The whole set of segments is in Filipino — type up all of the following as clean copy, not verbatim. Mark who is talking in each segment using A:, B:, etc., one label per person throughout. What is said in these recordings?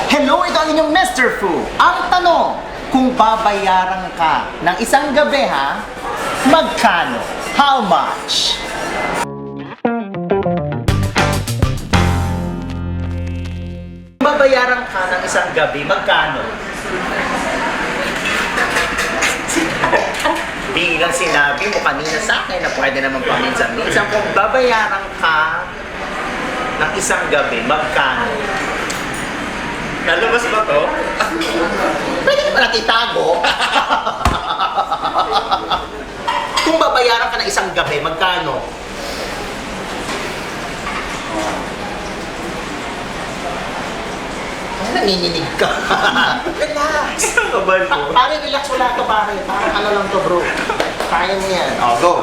A: Hello, ito ang inyong Mr. Fu. Ang tanong, kung babayaran ka ng isang gabi ha, magkano? How much? Kung babayaran ka ng isang gabi, magkano? Bilang sinabi mo kanina sa akin na pwede naman paminsan-minsan, kung babayaran ka ng isang gabi, magkano?
B: Nalabas ba to?
A: Pwede naman natin itago. Kung babayaran ka ng isang gabi, magkano? Nanginginig ka. Relax.
B: Kabal ko.
A: Pare, relax wala to pare. Parang ano lang to bro. Kaya mo yan. Oh, go.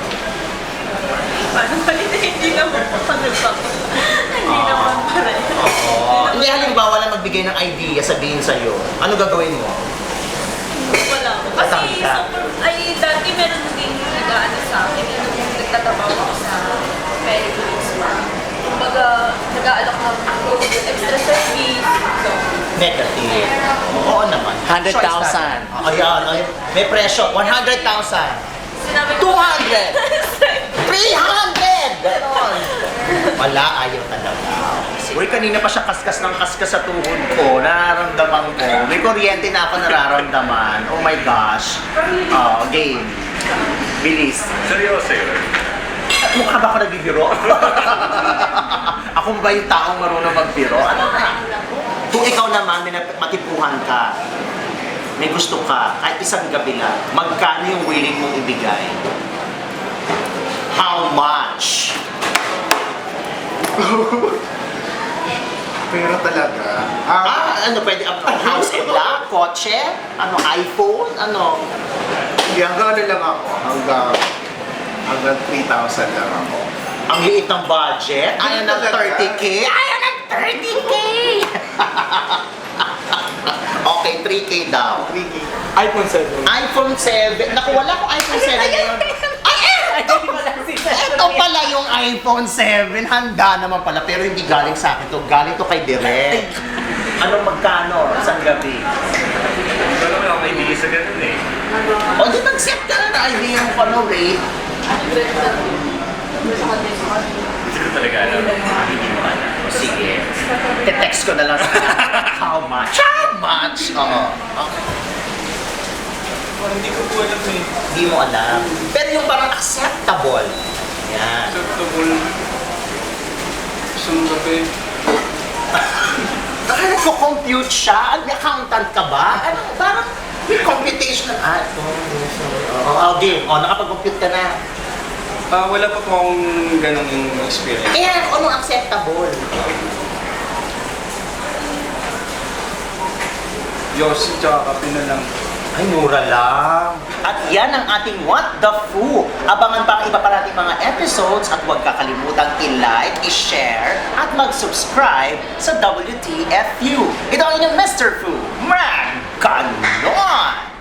C: Paano pa hindi naman hindi naman pare.
A: Hindi, halimbawa lang magbigay ng idea, sabihin sa'yo. Ano gagawin mo?
C: Wala. Kasi dati meron din nag-ano sa akin, yung nagtatrabaho ako sa Pericles pa. Kumbaga, nag-aalok ng extra service.
A: Negative. Oo naman.
D: 100,000.
A: Ayan, may presyo. 100,000.
C: Sinabi
A: 200!
C: ko,
A: 300! Ganon. Wala, ayaw talaga. Uy, kanina pa siya kaskas ng kaskas sa tuhod ko. Nararamdaman ko. May kuryente na ako nararamdaman. Oh my gosh. Oh, game. Bilis.
B: Seryoso yun?
A: Mukha ba ako nagbibiro? Ako ba yung taong marunong magbiro? Ano na? Kung ikaw naman, may matipuhan ka, may gusto ka, kahit isang gabi lang, magkano yung willing mong ibigay? How much?
E: Pero talaga,
A: Ano pwede? House and lot? Kotse? Ano? iPhone? Ano?
E: hindi, hanggang ano lang ako, hanggang 3,000 lang ako.
A: Ang liit ng budget? Ayaw ng 30K? Ayaw ng 30K! Okay, 3K daw.
E: 3K.
B: iPhone 7.
A: iPhone 7. Naku, wala ko iPhone 7 ngayon. Ay, ito pala yung iPhone 7. Handa naman pala. Pero hindi galing sa akin to. Galing to kay Direk. Anong magkano? Isang gabi?
B: Ito naman ako kaibigan sa ganun eh.
A: O, di mag-set ka na na idea yung ano, rate.
B: Hindi ko talaga alam.
A: Hindi mo alam. Sige. Te-text ko na lang sa how much? How much? Oo. Okay.
B: Hindi ko po alam eh.
A: Hindi mo alam. Pero yung parang acceptable. Yan.
B: Acceptable. Isang gabi.
A: Baka nagko-compute siya? Accountant ka ba? Ano, parang may computation na. Game. Nakapag-compute ka na.
B: Wala pa po akong ganong experience.
A: Kaya anong acceptable?
B: Yossi tsaka kape na lang.
A: Ay, mura lang. At yan ang ating What the Fu. Abangan pa ang iba pa nating mga episodes at huwag kakalimutan i-like, i-share, at mag-subscribe sa WTFU. Ito ang inyong Mr. Fu. Man, ganon!